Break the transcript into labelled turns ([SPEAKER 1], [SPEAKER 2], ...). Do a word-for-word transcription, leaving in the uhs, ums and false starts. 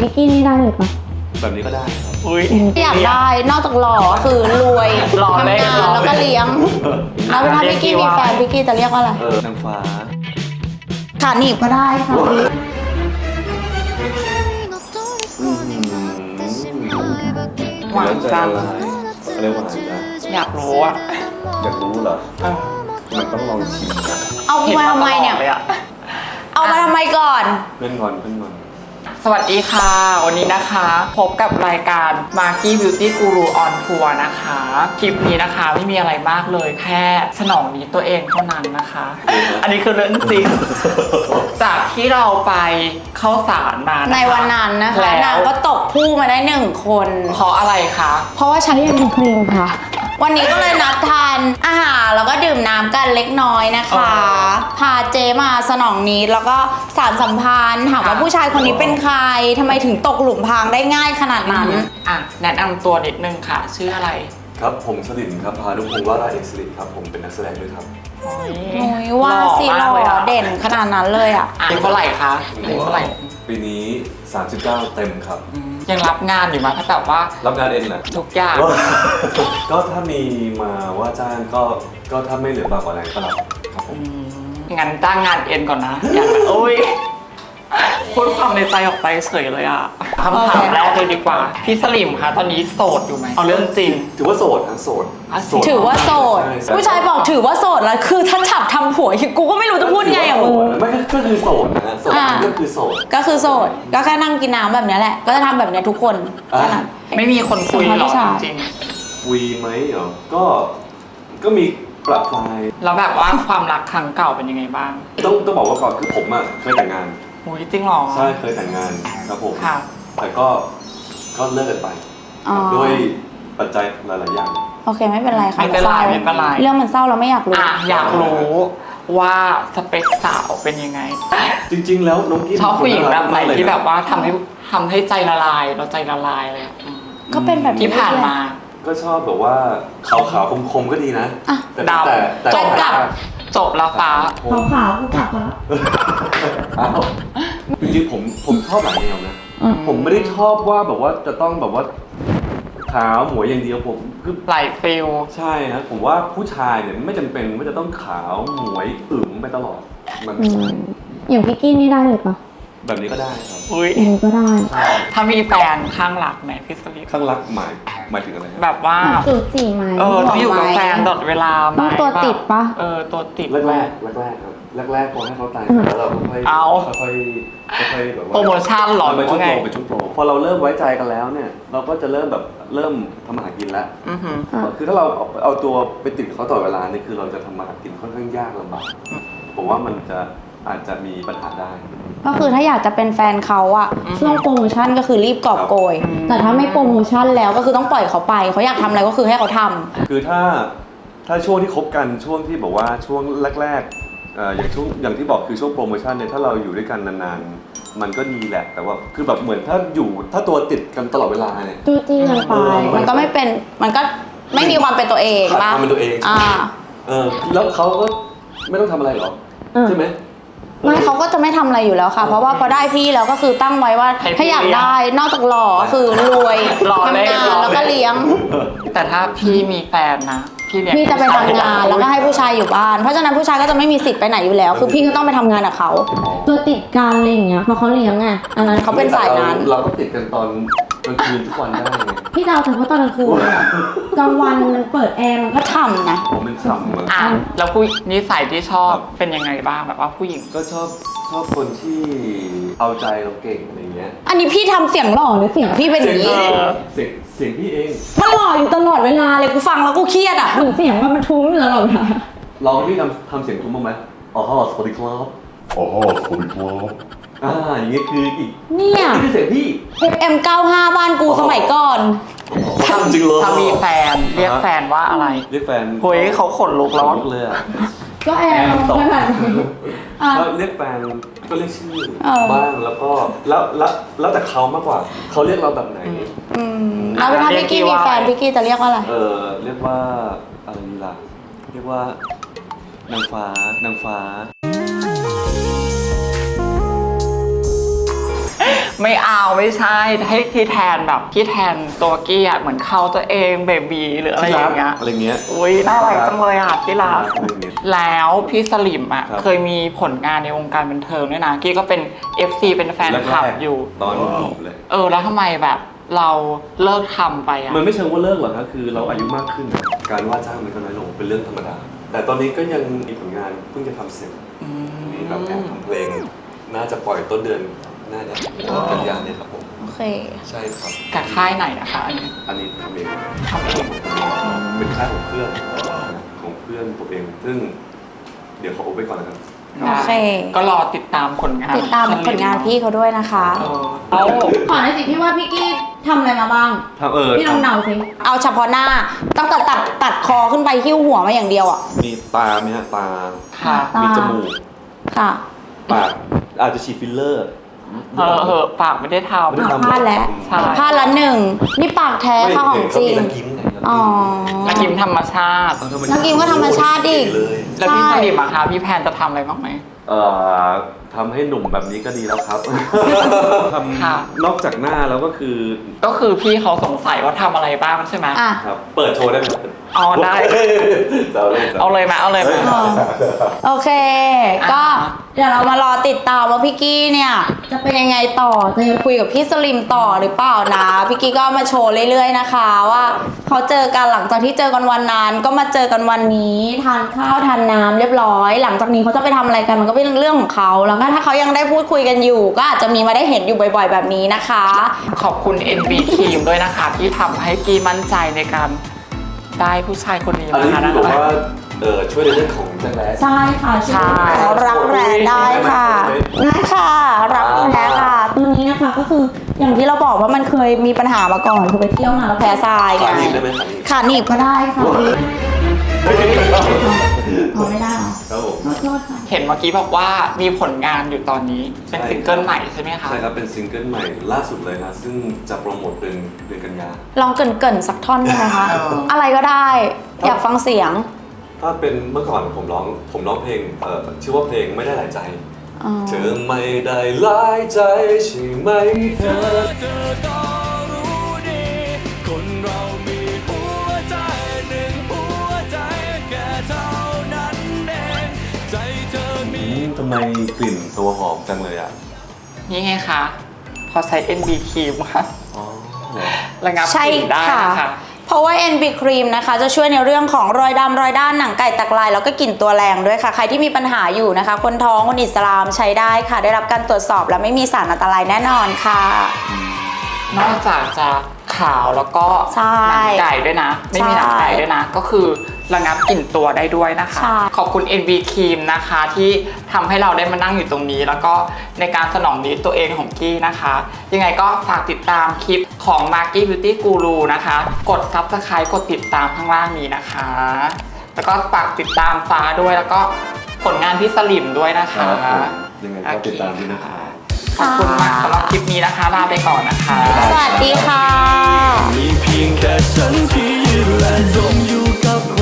[SPEAKER 1] พิกกี้นี่ได้เลยปะ
[SPEAKER 2] แบบนี้ก็ได้ครับ
[SPEAKER 3] อุ้ย
[SPEAKER 4] อยากได้นอกจากหล่อคือรวยทำงานแล้วก็เลี้ยงแล้วถ้าพิกกี้มีแฟนพิกกี้จะเรียกว่าอะไร
[SPEAKER 2] เออนางฟ้า
[SPEAKER 4] ขาหนีบก็ได้ค่ะ
[SPEAKER 3] หวานจัง
[SPEAKER 2] อะไรหวานจัง
[SPEAKER 3] อยากรู้อ่ะ
[SPEAKER 2] อยากรู้เหรอมันต้องลองชิมนะ
[SPEAKER 4] เอามาทำไมเนี่ยเอามาทำไมก่อน
[SPEAKER 2] เพื่อนงอนเพื่อนงอน
[SPEAKER 3] สวัสดีค่ะวันนี้นะคะพบกับรายการ Maki Beauty Guru on Tour นะคะคลิปนี้นะคะไม่มีอะไรมากเลยแค่สนองนี้ตัวเองเท่านั้นนะคะอันนี้คือเรื่องจริงจากที่เราไปเข้าสารมา
[SPEAKER 4] ในวันนั้นนะคะนางก็ตกผู้มาได้หนึ่งคน
[SPEAKER 3] เพราะอะไรคะ
[SPEAKER 1] เพราะว่าใช้ยังเป็นครีมค่ะ
[SPEAKER 4] วันนี้ก็เลยนัดทานอาหารแล้วก็ดื่มน้ำกันเล็กน้อยนะคะพาเจมาสนองนี้แล้วก็สารสัมพันธ์ถามว่าผู้ชายคนนี้เป็นใครทำไมถึงตกหลุมพรางได้ง่ายขนาดนั้น
[SPEAKER 3] อ่ะแนะนำตัวนิดนึงค่ะชื่ออะไร
[SPEAKER 2] ครับผมสลินครับพานุพงศ์วราเอกสิริครับผมเป็นนักแสดงด้วยครับ
[SPEAKER 4] โอ้ยว่าสิหล่อเด่นขนาดนั้นเลยอ่ะ
[SPEAKER 3] อายุเท่าไหร่คะอายุเท่าไหร่
[SPEAKER 2] ปีนี้สามสิบเก้าเต็มครับ
[SPEAKER 3] ยังรับงานอยู่ไหมถ้าแบบว่า
[SPEAKER 2] รับงานเองนะ
[SPEAKER 3] ทุกอย่าง
[SPEAKER 2] ก็ถ้ามีมาว่าจ้างก็ก็ถ้าไม่เหลือบากกว่าแรงก็รับครับผม
[SPEAKER 3] งั้นจ้างงานเอ็นก่อนนะอย่างโอ้ยพูดความในใจออกไปเฉยเลยอ่ะคำถามแรกเลยดีกว่าพี่สลิมคะตอนนี้โสดอยู่ไหมเอาเรื่องจริง
[SPEAKER 2] ถือว่าโสดนะโสด
[SPEAKER 4] ถือว่าโสดผู้ชายบอกถือว่าโสดแล้วคือถ้าฉับทำผัวกูก็ไม่รู้จะพูดไงอ่ะมึง
[SPEAKER 2] ไม่ก็คือโสดนะโสดก็คือโสด
[SPEAKER 4] ก็คือโสดก็แค่นั่งกินน้ำแบบนี้แหละก็จะทำแบบนี้ทุกคน
[SPEAKER 3] ไม่มีคนคุยหรอจริง
[SPEAKER 2] คุยไหมเหรอก็ก็มีประปราย
[SPEAKER 3] แล้วแบบว่าความรักครั้งเก่าเป็นยังไงบ้าง
[SPEAKER 2] ต้องต้องบอกว่าก่อนคือผมอ่ะเคยแต่งงาน
[SPEAKER 3] โอ้ยจริงหรอ
[SPEAKER 2] ใช่เคยแต่งงานครับผมแต่ก็ก็เลิกกันไปด้วยปัจจัยหลายๆอย่าง
[SPEAKER 4] โอเคไม่เป็นไรค่ะ
[SPEAKER 3] ไม่เป็นไรไม่เป็นไร
[SPEAKER 4] เรื่องมันเศร้าเราไม่อยากรู้
[SPEAKER 3] อยากรู้ว่าสเปคสาวเป็นยังไง
[SPEAKER 2] จริงๆแล้วน้องกิ๊ฟ
[SPEAKER 3] ชอบผู้หญิงแบบไหนที่แบบว่าทำให้ทำให้ใจละลายเราใจละลายเลย
[SPEAKER 4] ก็เป็นแบบ
[SPEAKER 3] ที่ผ่านมา
[SPEAKER 2] ก็ชอบแบบว่าขาวๆคมๆก็ดีนะ
[SPEAKER 3] แต่แต่แต่จบกับจบแล้วฟ้า
[SPEAKER 1] ขาวๆกูกลับแล้ว
[SPEAKER 2] จริงๆผมผมชอบหลายแนวนะผมไม่ได้ชอบว่าแบบว่าจะต้องแบบว่าขาวหมวยอย่างเดียวผม
[SPEAKER 3] คือหลายฟิล
[SPEAKER 2] ใช่นะผมว่าผู้ชายเนี่ยไม่จำเป็นว่าจะต้องขาวหมวยอึ๋มไปตลอดมัน
[SPEAKER 1] อย่างพิกกี้นี่ได้เลยปะ
[SPEAKER 2] แบบนี้ก็ได้ครับ
[SPEAKER 3] อุ้ย
[SPEAKER 1] อันนี้ก็ได้
[SPEAKER 3] ถ้ามีแฟนข้างหลักไหมพี่สลิป
[SPEAKER 2] ข้างรักหมายหมายถึงอะไร
[SPEAKER 3] แบบว่า
[SPEAKER 1] จุดสี่ไหม
[SPEAKER 3] เออต้องอยู่กับแฟนตลอดเวลาไหม
[SPEAKER 1] ตัวติดปะ
[SPEAKER 3] เออตัวติด
[SPEAKER 2] แรกแรกแรกแรกครับแรกแรกพอให้เขาตายแล้วเราค่อย
[SPEAKER 3] เอา
[SPEAKER 2] ค่อยค่อยแบบว่า
[SPEAKER 3] โปรโมชั่นหรอ
[SPEAKER 2] ไปชุดโปรไปชุดโปรพอเราเริ่มไว้ใจกันแล้วเนี่ยเราก็จะเริ่มแบบเริ่มทำมาหากินแล้วคือถ้าเราเอาตัวไปติดเขาตลอดเวลานี่คือเราจะทำมาหากินค่อนข้างยากลำบากผมว่ามันจะอาจจะมีปัญหาได้
[SPEAKER 4] ก็คือถ้าอยากจะเป็นแฟนเขาอะช่วงโปรโมชั่นก็คือรีบกอบโกยแต่ถ้าไม่โปรโมชั่นแล้วก็คือต้องปล่อยเขาไปเขาอยากทำอะไรก็คือให้เขาทำ
[SPEAKER 2] คือถ้าถ้าช่วงที่คบกันช่วงที่บอกว่าช่วงแรกๆอย่างช่วงอย่างที่บอกคือช่วงโปรโมชั่นเนี่ยถ้าเราอยู่ด้วยกันนานๆมันก็ดีแหละแต่ว่าคือแบบเหมือนถ้าอยู่ถ้าตัวติดกันตลอดเวลาเนี่ย
[SPEAKER 1] จู้จี้กันไป
[SPEAKER 4] มันก็ไม่เป็นมันก็ไม่มีความเป็นตัวเอง
[SPEAKER 2] ป่ะความเป็นตัวเอง
[SPEAKER 4] อ่า
[SPEAKER 2] เออแล้วเขาก็ไม่ต้องทำอะไรหรอใช่ไหม
[SPEAKER 4] ไม่เขาก็จะไม่ทำอะไรอยู่แล้วค่ะเพราะว่าพอได้พี่แล้วก็คือตั้งไว้ว่าถ้าอยากได้นอกจากหล่อคือรวยทำงานแล้วก็เลี้ยง
[SPEAKER 3] แต่ถ้าพี่มีแฟนนะพี่เนี่ย
[SPEAKER 4] พี่จะไปทำงานแล้วก็ให้ผู้ชายอยู่บ้านเพราะฉะนั้นผู้ชายก็จะไม่มีสิทธิ์ไปไหนอยู่แล้วคือพี่ก็ต้องไปทำงานกับเขา
[SPEAKER 1] ตัวติดการอะไรอย่างเงี้ยพอเขาเลี้ยงไง
[SPEAKER 4] อันนั้นเขาเป็นสายนั้น
[SPEAKER 2] เราก็ติดกันตอนกลางคืนทุกวันได้ไง
[SPEAKER 1] พี่ดาวแต่เพราะตอนกลางคืนกลางวันมันเปิดแอร์มันก็ฉ่ำนะ
[SPEAKER 2] ผมเป็นฉ่ำเหมือน
[SPEAKER 3] อ่ะแล้วผู้นิสัยที่ชอบเป็นยังไงบ้างแบบว่าผู้หญิง
[SPEAKER 2] ก็ชอบชอบคนที่เอาใจเราเก่งอะไรเงี้ย
[SPEAKER 4] อันนี้พี่ทำเสียงหล่อหรือเสียงพี่เป็นอย่างนี้
[SPEAKER 2] เสียงเสียงพี่เอง
[SPEAKER 4] มันหล่ออยู่ตลอดเวลาเลยกูฟังแล้วกูเครียดอ่ะ
[SPEAKER 1] เหมือนเสียงมันทุ้มอยู่ตลอดเวลา
[SPEAKER 2] ลองพี่ทำทำเสียงทุ้มบ้างไหมอ๋อสวัสดีครับอ๋อสวัสดีครับอ่าอย่างเงี้ยคืออีก
[SPEAKER 4] เนี่ย
[SPEAKER 2] นี่คือเสียงพี่
[SPEAKER 4] เอฟ เอ็ม เก้าสิบห้า บ้านกูสมัยก่อน
[SPEAKER 2] ทำจริงเลย
[SPEAKER 3] ถ้ามีแฟนเรียกแฟนว่าอะไร
[SPEAKER 2] เรียกแฟน
[SPEAKER 3] เฮ้ยเขาขนลุกแล้ว
[SPEAKER 2] เลยอ่ะ
[SPEAKER 1] ก็แอร์ตก
[SPEAKER 2] ก็เรียกแฟนก็เรียกชื่อบ้างแล้วก็แล้วแล้วแล้วแต่เขามากกว่าเขาเรียกเราแบบไหน
[SPEAKER 4] แล้วถ้าพี่กี้มีแฟนพี่กี้จะเรียกว่าอะไร
[SPEAKER 2] เออเรียกว่าอะไรล่ะเรียกว่านางฟ้านางฟ้า
[SPEAKER 3] ไม่เอาไม่ใช่ให้ที่แทนแบบที่แทนตัวกี้อ่ะเหมือนเขาตัวเองเบบีหรืออะไรอย่างเงี้ย
[SPEAKER 2] อะไรเงี้ย
[SPEAKER 3] อุ้ยน่ารักจังเลยอ่ะที่รัก
[SPEAKER 2] อะไรเงี้ย
[SPEAKER 3] แล้วพี่สลิมอ่ะ
[SPEAKER 2] ครับ
[SPEAKER 3] เคยมีผลงานในวงการบันเทิงด้วยนะกี้ก็เป็น เอฟ ซี เป็นแฟนคลับ
[SPEAKER 2] แรกๆ
[SPEAKER 3] อยู่
[SPEAKER 2] ตอนหนุ่มๆเลย
[SPEAKER 3] เออแล้วทำไมแบบเราเลิกทำไปอ่ะ
[SPEAKER 2] มันไม่เชิงว่าเลิกหรอกครับคือเราอายุมากขึ้น การว่าจ้างมันก็น้อยลงเป็นเรื่องธรรมดา แต่ตอนนี้ก็ยังมีผลงานเพิ่งจะทำเสร็จ
[SPEAKER 3] อืม
[SPEAKER 2] มีแบบแอบทำเพลง น่าจะปล่อยต้นเดือนหน้าเนี่ยกันยาเนี่ยครับผม
[SPEAKER 4] โอเค
[SPEAKER 2] ใช่ครับ
[SPEAKER 3] กับค่ายไหนนะคะอันนี้
[SPEAKER 2] อันนี้ทำเอง
[SPEAKER 3] ทำเอง
[SPEAKER 2] เป็นค่ายของเพื่อนของเพื่อนตัวเอง ซึ่งเดี๋ยวขออุบไว้ก่อนนะครับ
[SPEAKER 4] โอเค
[SPEAKER 3] ก็รอติดตามผลงาน
[SPEAKER 4] ติดตามผลงานพี่เขาด้วยนะคะ
[SPEAKER 3] เออเอา
[SPEAKER 1] ขอหน่อยสิพี่ว่าพี่กี้ทำอะไรมาบ้าง
[SPEAKER 2] ทำเออ
[SPEAKER 1] พี่ลองเดาสิ
[SPEAKER 4] เอาเฉพาะหน้าตั้งแต่ตัดตัดคอขึ้นไปหิ้วหัวมาอย่างเดียวอ่ะ
[SPEAKER 2] มีตาไหมฮะตา
[SPEAKER 3] ค่ะ
[SPEAKER 1] ตา
[SPEAKER 2] มีจมูก
[SPEAKER 4] ค่ะ
[SPEAKER 2] ปากอาจจะฉีดฟิลเลอร์
[SPEAKER 3] เออเออปากไม่ได้ท
[SPEAKER 2] ไม่ได้ทำ
[SPEAKER 4] พลาดแล้ว
[SPEAKER 3] ใช่
[SPEAKER 4] พลาดละหนึ่ง นี่ปากแท้
[SPEAKER 2] ไม่
[SPEAKER 4] ค่ะของ
[SPEAKER 2] เห็น
[SPEAKER 4] จ
[SPEAKER 2] เขา
[SPEAKER 4] ริ
[SPEAKER 2] มี
[SPEAKER 4] ง
[SPEAKER 2] นักยิ้มไง
[SPEAKER 4] อ๋อ
[SPEAKER 3] ำนักกิมธรรมชาติ
[SPEAKER 4] นักยิ้มก็ธรรมชาติดิ
[SPEAKER 2] เลย
[SPEAKER 3] แล้วพี่
[SPEAKER 4] ใช่
[SPEAKER 3] สลิมอะคะพี่แพนจะทำอะไรบ้างไหม
[SPEAKER 2] เอ่อทำให้หนุ่มแบบนี้ก็ดีแล้วครับ ท
[SPEAKER 3] ค่ะ
[SPEAKER 2] ำนอกจากหน้าแล้วก็คือ
[SPEAKER 3] ก็คือพี่เขาสงสัยว่าทำอะไรบ้างใช่ไหม
[SPEAKER 4] อ่ะ
[SPEAKER 2] ครับเปิดโชว์ได้ไหมครับ
[SPEAKER 3] อ๋อได้
[SPEAKER 2] จะเอาเล่นจะ
[SPEAKER 3] เอาเลยมาเอาเลยมา
[SPEAKER 4] อ๋อ โอเค ก็เดี๋ยวเรามารอติดตามว่าพี่กี้เนี่ย จะเป็นยังไงต่อ จะยังคุยกับพี่สลิมต่อหรือเปล่านะ พี่กี้ก็มาโชว์เรื่อยๆนะคะ ว่าเขาเจอกันหลังจากที่เจอกันวันนั้น ก็มาเจอกันวันนี้ทานข้าวทานน้ำเรียบร้อย หลังจากนี้เขาจะไปทำอะไรกันมันก็เป็นเรื่องของเขาแล้วก็ถ้าเขายังได้พูดคุยกันอยู่ ก็อาจจะมีมาได้เห็นอยู่บ่อย ๆ แบบนี้นะคะ
[SPEAKER 3] ขอบคุณ เอ็น บี ทีมด้วยนะคะ ที่ทำให้กี้มั่นใจในการได้ผู้ชายคนนี้
[SPEAKER 2] อันนี้
[SPEAKER 3] มา
[SPEAKER 2] ที่
[SPEAKER 3] นะ
[SPEAKER 2] บอก
[SPEAKER 3] คะ
[SPEAKER 2] ว่าเออช่วยในเรื่องของแจ็คแลส
[SPEAKER 1] ใช่ค่ะ
[SPEAKER 3] ใช่
[SPEAKER 4] รักแร้ได้ค่ะได้ค่ะ รักแร้ค่ะ
[SPEAKER 1] ตัวนี้นะคะก็คืออย่างที่เราบอกว่ามันเคยมีปัญหามาก่อนคือไปเที่ยวมาแล้ว
[SPEAKER 4] แพ้
[SPEAKER 1] แพ้
[SPEAKER 4] ทรายไง
[SPEAKER 2] ขาหนีบได้ไหมขาหนีบ
[SPEAKER 4] ขาหนีบ
[SPEAKER 1] ก็ได้ค่ะพี่พอไม่ได้เหรอ
[SPEAKER 2] ครับผม
[SPEAKER 1] ขอโทษค่ะ
[SPEAKER 3] เห็นเมื่อกี้บอกว่ามีผลงานอยู่ตอนนี้ เป็น
[SPEAKER 2] ใช่
[SPEAKER 3] ซิงเกิลใหม่ใช่ไหมคะ
[SPEAKER 2] ใช่ครับเป็นซิงเกิลใหม่ล่าสุดเลยนะซึ่งจะโปรโมทเดือนเดือนกันยา
[SPEAKER 4] ลองเกรินๆสักท่อนได้ไหมคะ
[SPEAKER 3] เอออ
[SPEAKER 4] อะไรก็ได้ อยากฟังเสียง
[SPEAKER 2] ถ้าเป็นเมื่อก่อนผมร้องผมร้องเพลงเอ่อชื่อว่าเพลงไม่ได้หลายใจ
[SPEAKER 4] อ๋อ
[SPEAKER 2] เธอไม่ได้หลายใจใช่ไหมเธอ
[SPEAKER 5] เธอก็รู้ดี คนเรามีหัวใจหนึ่งหัวใจแค่เท่านั้นเองใจเธอมี
[SPEAKER 2] อืมทำไมกลิ่นตัวหอมจังเลยอ่ะ
[SPEAKER 3] นี่ไงคะ พอใช้ เอ็น บี ทีมค่ะ
[SPEAKER 2] อ๋อเหรอ
[SPEAKER 3] ระงับ
[SPEAKER 4] ใช่
[SPEAKER 3] กลิ่นได้
[SPEAKER 4] ค่ะ
[SPEAKER 3] นะคะ
[SPEAKER 4] เพราะว่า เอ็น บี Cream นะคะ จะช่วยในเรื่องของรอยดำรอยด้านหนังไก่ตักลาย แล้วก็กลิ่นตัวแรงด้วยค่ะ ใครที่มีปัญหาอยู่นะคะ คนท้องคนอิสลามใช้ได้ค่ะ ได้รับการตรวจสอบและไม่มีสารอันตรายแน่นอนค่ะ
[SPEAKER 3] นอกจากจะขาวแล้วก็
[SPEAKER 4] ใช่
[SPEAKER 3] หนังไก่ด้วยนะ ไม่มีหนังไก่ด้วยนะ ก็คือระงับกลิ่นตัวได้ด้วยนะคะ
[SPEAKER 4] ใช่
[SPEAKER 3] ขอบคุณ เอ็น บี Cream นะคะที่ทำให้เราได้มานั่งอยู่ตรงนี้ แล้วก็ในการสนองนิดตัวเองของกี้นะคะ ยังไงก็ฝากติดตามคลิปของ Marky Beauty Guru นะคะ กด Subscribe กดติดตามข้างล่างนี้นะคะ แล้วก็ฝากติดตามฟ้าด้วยแล้วก็ผลงานพี่สลิมด้วยนะคะ
[SPEAKER 2] ครับผมยังไงก็ติดตามด้วยนะครับ
[SPEAKER 3] ขอบคุณมากสำหรับคลิปนี้นะคะลาไปก่อนนะคะ
[SPEAKER 4] สวัสดีค่ะ
[SPEAKER 5] มีเพียงแค่ฉันที่ยืนและจมอยู่กับ